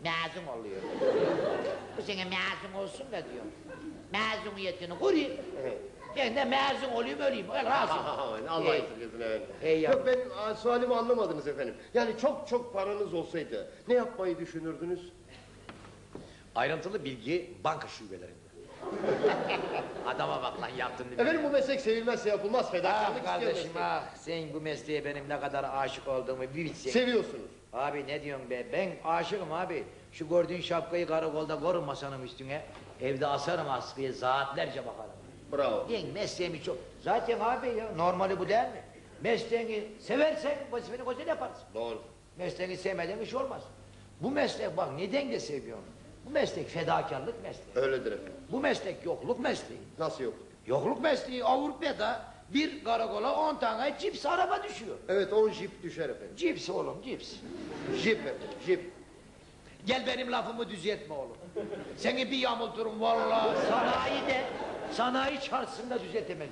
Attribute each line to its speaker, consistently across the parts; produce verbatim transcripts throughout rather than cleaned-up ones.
Speaker 1: mezun oluyor. Bu sene mezun olsun da diyor. Mezuniyetini kurayım.
Speaker 2: Evet.
Speaker 1: Ben de mezun olayım öleyim. Öyle razı.
Speaker 2: Allah esirgesin efendim.
Speaker 1: Hey
Speaker 2: Yok ben a, sualimi anlamadınız efendim. Yani çok çok paranız olsaydı ne yapmayı düşünürdünüz?
Speaker 1: Ayrıntılı bilgi banka şubelerinde. Adama bak lan yaptın değil mi?
Speaker 2: Efendim bu meslek sevilmezse yapılmaz. Fedakarlık
Speaker 1: Ah
Speaker 2: istiyor
Speaker 1: kardeşim
Speaker 2: meslek.
Speaker 1: ah, sen bu mesleğe benim ne kadar aşık olduğumu bir bilsen.
Speaker 2: Seviyorsunuz.
Speaker 1: Abi ne diyorsun be, ben aşığım abi. Şu gördüğün şapkayı karakolda korun masanın üstüne. Evde asarım askıya, saatlerce bakarım.
Speaker 2: Bravo.
Speaker 1: Ben mesleğimi çok... Zaten abi ya, normali bu değil mi? Mesleğini seversen vazifeni güzel yaparsın.
Speaker 2: Doğru.
Speaker 1: Mesleğini sevmeden iş olmaz. Bu meslek bak neden de seviyorum. Bu meslek fedakarlık mesleği.
Speaker 2: Öyledir efendim.
Speaker 1: Bu meslek yokluk mesleği.
Speaker 2: Nasıl yok?
Speaker 1: Yokluk mesleği Avrupa'da bir karakola on tane cips araba düşüyor.
Speaker 2: Evet on jip düşer efendim.
Speaker 1: Cips oğlum cips.
Speaker 2: Jip efendim jip.
Speaker 1: Gel benim lafımı düzeltme oğlum. Seni bir yamulturum vallahi. Sanayi de sanayi çarşısında düzeltemez.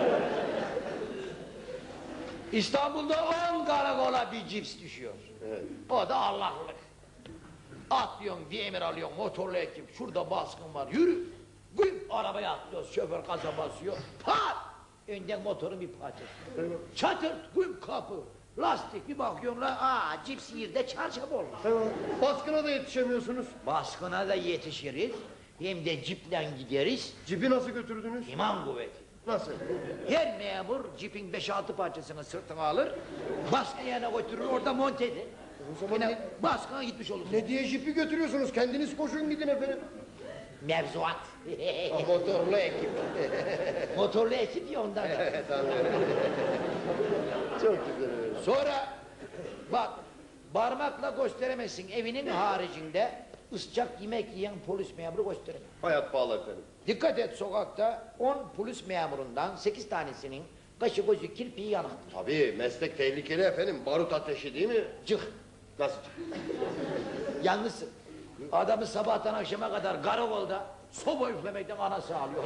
Speaker 1: İstanbul'da on karakola bir cips düşüyor.
Speaker 2: Evet.
Speaker 1: O da Allah'lık. Atlıyorsun bir emir alıyorsun motorlu ekip. Şurada baskın var yürü. Güm arabaya atlıyoruz şoför gaza basıyor. Pat! Önden motorun bir parçası.
Speaker 2: Evet.
Speaker 1: Çatırt güm kapı. Lastik bir bakıyorsun la aa cips yerde çarşaf olmuş.
Speaker 2: Evet. Baskına da yetişemiyorsunuz.
Speaker 1: Baskına da yetişiriz. Hem de ciple gideriz.
Speaker 2: Cipi nasıl götürdünüz?
Speaker 1: İman kuvveti.
Speaker 2: Nasıl?
Speaker 1: Her memur cipin beş altı parçasını sırtına alır. Baskın yerine götürür orada monte eder.
Speaker 2: O zaman
Speaker 1: Yine
Speaker 2: ne,
Speaker 1: baskına gitmiş olursun.
Speaker 2: ne diye jipi götürüyorsunuz? Kendiniz koşun gidin efendim.
Speaker 1: Mevzuat.
Speaker 2: Ha, motorlu ekip.
Speaker 1: Motorlu ekip ya ondan da.
Speaker 2: Evet anlıyorum. Çok güzel öyle.
Speaker 1: Sonra bak parmakla gösteremezsin evinin haricinde ıscak yemek yiyen polis memuru gösteremez.
Speaker 2: Hayat pahalı efendim.
Speaker 1: Dikkat et sokakta on polis memurundan sekiz tanesinin kaşı gözü kirpiği yanıktır.
Speaker 2: Tabii meslek tehlikeli efendim. Barut ateşi değil mi?
Speaker 1: Cık.
Speaker 2: Nasıl çık?
Speaker 1: Yalnızsın. Adamı sabahtan akşama kadar karakolda soba üflemekten anası ağlıyor.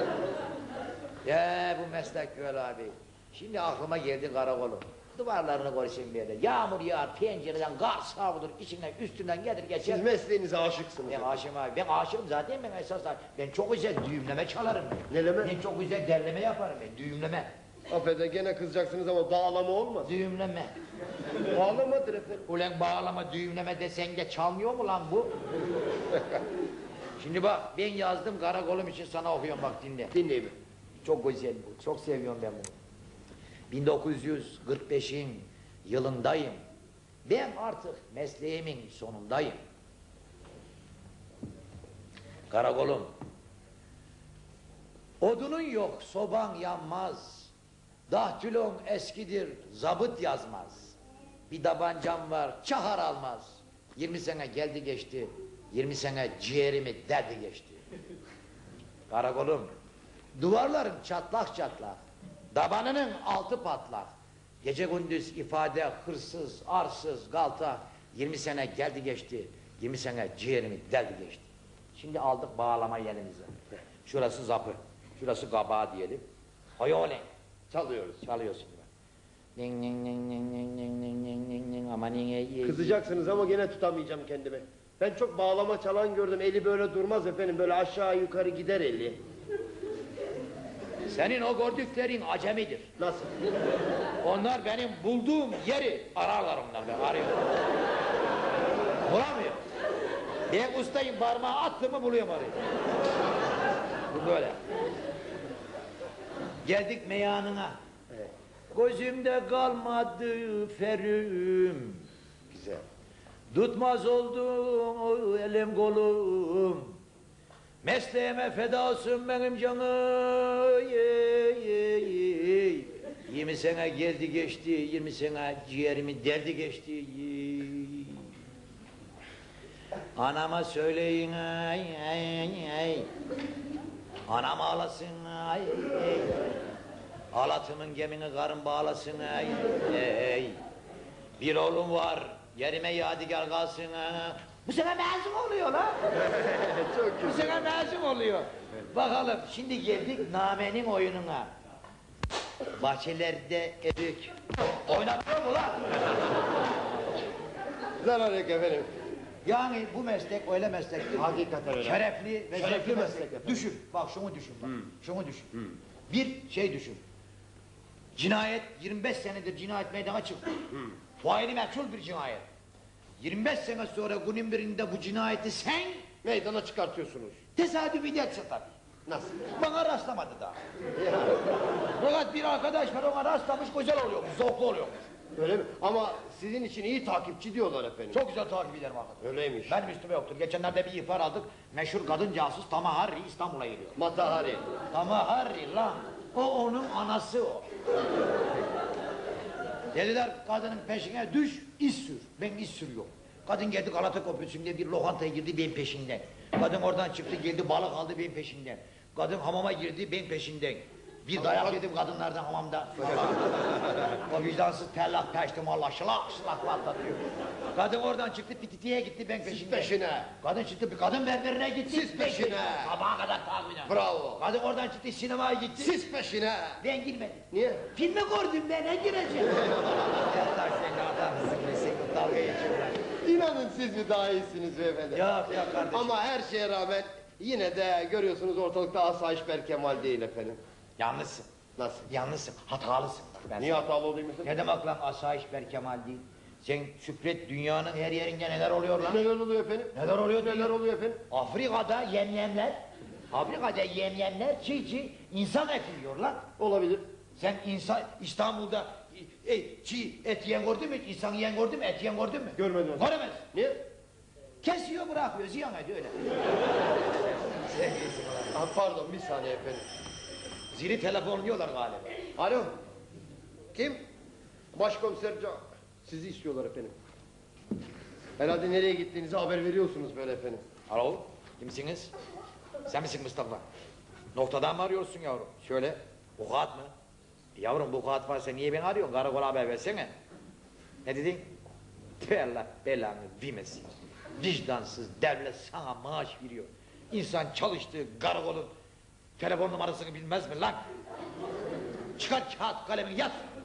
Speaker 1: Ya bu meslek böyle abi. Şimdi aklıma geldi karakolun. Duvarlarını koysayım böyle. Yağmur yağar, pencereden kar savrulur, içinden üstünden gelir geçer.
Speaker 2: Siz mesleğinize aşıksınız.
Speaker 1: Ben aşığım abi. Ben aşığım zaten ben esas. Ben çok güzel düğümleme çalarım.
Speaker 2: Neleme?
Speaker 1: Ben çok güzel derleme yaparım ben. Düğümleme.
Speaker 2: Affedin gene kızacaksınız ama bağlama olmaz.
Speaker 1: Düğümleme.
Speaker 2: Bağlamadır efendim.
Speaker 1: Ulan bağlama düğümleme desen de çalmıyor mu lan bu? Şimdi bak ben yazdım karakolum için sana okuyorum bak dinle.
Speaker 2: Dinleyin.
Speaker 1: Çok güzel bu. Çok seviyorum ben bunu. bin dokuz yüz kırk beşin yılındayım. Ben artık mesleğimin sonundayım. Karakolum. Odunun yok, soban yanmaz. Dahtülon eskidir, zabıt yazmaz. Bir tabancam var, çahar almaz. Yirmi sene geldi geçti, yirmi sene ciğerimi derdi geçti. Karakolum, duvarların çatlak çatlak, tabanının altı patlak. Gece gündüz ifade hırsız, arsız, galta. Yirmi sene geldi geçti, yirmi sene ciğerimi derdi geçti. Şimdi aldık bağlama elimize. Şurası zapı, şurası kabağı diyelim. Hayole.
Speaker 2: Çalıyoruz.
Speaker 1: Çalıyorsun gibi. Ning ning ning ning ning ning ning ning ning ning ama ning.
Speaker 2: Kızacaksınız ama gene tutamayacağım kendimi. Ben çok bağlama çalan gördüm. Eli böyle durmaz efendim. Böyle aşağı yukarı gider eli.
Speaker 1: Senin o gördüklerin acemidir.
Speaker 2: Nasıl?
Speaker 1: Onlar benim bulduğum yeri ararlar onlar ben arıyorum. Bulamıyor. Ben ustayım parmağı attım mı buluyorum arayı. Bu böyle. Geldik meyanına.
Speaker 2: Evet.
Speaker 1: Gözümde kalmadı ferim.
Speaker 2: Güzel.
Speaker 1: Tutmaz oldum elim kolum. Mesleğime feda olsun benim canım. Yirmi sene geldi geçti, yirmi sene ciğerimi derdi geçti. Anama söyleyin ay ay ay. Anam ağlasın ay ay. Halatımın gemini karın bağlasın ay ay. Bir oğlum var, yerime yadigar kalsın ha. Bu sene mezun oluyor lan.
Speaker 2: Çok
Speaker 1: Bu
Speaker 2: güzel.
Speaker 1: sene mezun oluyor. Bakalım şimdi geldik namenin oyununa. Bahçelerde erik. Oynatıyor mu lan?
Speaker 2: Zarar yok efendim.
Speaker 1: Yani bu meslek öyle meslektir.
Speaker 2: Hakikaten öyle.
Speaker 1: Şerefli ve
Speaker 2: Şerefli
Speaker 1: zevkli
Speaker 2: meslek
Speaker 1: meslek.
Speaker 2: efendim.
Speaker 1: Düşün, bak şunu düşün bak.
Speaker 2: Hmm.
Speaker 1: Şunu düşün.
Speaker 2: Hmm.
Speaker 1: Bir şey düşün. Cinayet yirmi beş senedir cinayet meydana çıktı.
Speaker 2: Hmm.
Speaker 1: Faili meçhul bir cinayet. yirmi beş sene sonra günün birinde bu cinayeti sen
Speaker 2: Meydana çıkartıyorsunuz.
Speaker 1: tesadüfi değilse tabii.
Speaker 2: Nasıl?
Speaker 1: Bana rastlamadı daha.
Speaker 2: Ya,
Speaker 1: Fakat bir arkadaş var ona rastlamış güzel oluyormuş, zevklu oluyormuş.
Speaker 2: öyle mi? Ama sizin için iyi takipçi diyorlar efendim.
Speaker 1: Çok güzel takip ederim arkadaş.
Speaker 2: Öyleymiş.
Speaker 1: Benim üstüme yoktur. Geçenlerde bir ihbar aldık. Meşhur kadın casus Tamahari İstanbul'a geliyor.
Speaker 2: Matahari.
Speaker 1: Tamahari lan. O onun anası o. Dediler kadının peşine düş, iz sür. Ben iz sürüyorum. Kadın geldi Galata Köprüsü'nde bir lokantaya girdi benim peşinden. Kadın oradan çıktı geldi balık aldı benim peşinden. Kadın hamama girdi benim peşinden. Bir dayak yedim kadınlardan hamamda. O vicdansız tellak peştim Allah şılak şılak patlatıyor. Kadın oradan çıktı pititiye gitti ben peşinden.
Speaker 2: peşine.
Speaker 1: Kadın çıktı bir kadın berberine gitti.
Speaker 2: Siz
Speaker 1: ben
Speaker 2: peşine.
Speaker 1: peşinden. Sabaha kadar takip ederim.
Speaker 2: Bravo.
Speaker 1: Kadın oradan çıktı sinemaya gitti.
Speaker 2: Siz peşine.
Speaker 1: Ben girmedim.
Speaker 2: Niye?
Speaker 1: Filmi gördüm ben ne gireceğim? Ya sen adamsın be sen dalga geçiyorlar.
Speaker 2: İnanın siz mi daha iyisiniz beyefendi?
Speaker 1: Yok yok kardeşim.
Speaker 2: Ama her şeye rağmen yine de görüyorsunuz ortalıkta asayiş Berkemal değil efendim.
Speaker 1: Yanlışsın.
Speaker 2: Nasıl?
Speaker 1: Yanlışsın. Hatalısın. Bak ben
Speaker 2: Niye
Speaker 1: sana-
Speaker 2: hatalı olayım efendim?
Speaker 1: Ne demek lan asayiş Berkemal değil? Sen şükret dünyanın her yerinde neler oluyor lan?
Speaker 2: Neler oluyor efendim?
Speaker 1: Neler oluyor
Speaker 2: Neler
Speaker 1: diyor.
Speaker 2: oluyor efendim?
Speaker 1: Afrika'da yemyemler, Afrika'da yemyemler çiğ çiğ insan eti yiyorlar.
Speaker 2: Olabilir.
Speaker 1: Sen insan İstanbul'da e, çiğ et yiyen gördün mü? İnsan yiyen gördün mü? Et yiyen gördün mü?
Speaker 2: Görmedim.
Speaker 1: Göremez.
Speaker 2: Niye?
Speaker 1: Kesiyor bırakıyor ziyan ediyor öyle.
Speaker 2: Ha, pardon bir saniye efendim.
Speaker 1: Zili telefonluyorlar galiba.
Speaker 2: Alo. Kim? Başkomiser Can. Sizi istiyorlar efendim. Herhalde nereye gittiğinizi haber veriyorsunuz böyle efendim.
Speaker 1: Alo, kimsiniz? Sen misin Mustafa? Noktadan mı arıyorsun yavrum? Şöyle, bu kağıt mı? E yavrum bu kağıt varsa niye beni arıyorsun? Karakola haber versene. Ne dedin? Tüh Allah belanı vermesin. Vicdansız devlet sana maaş veriyor. İnsan çalıştığı karakolun telefon numarasını bilmez mi lan? Çıkar kağıt kalemini yaz.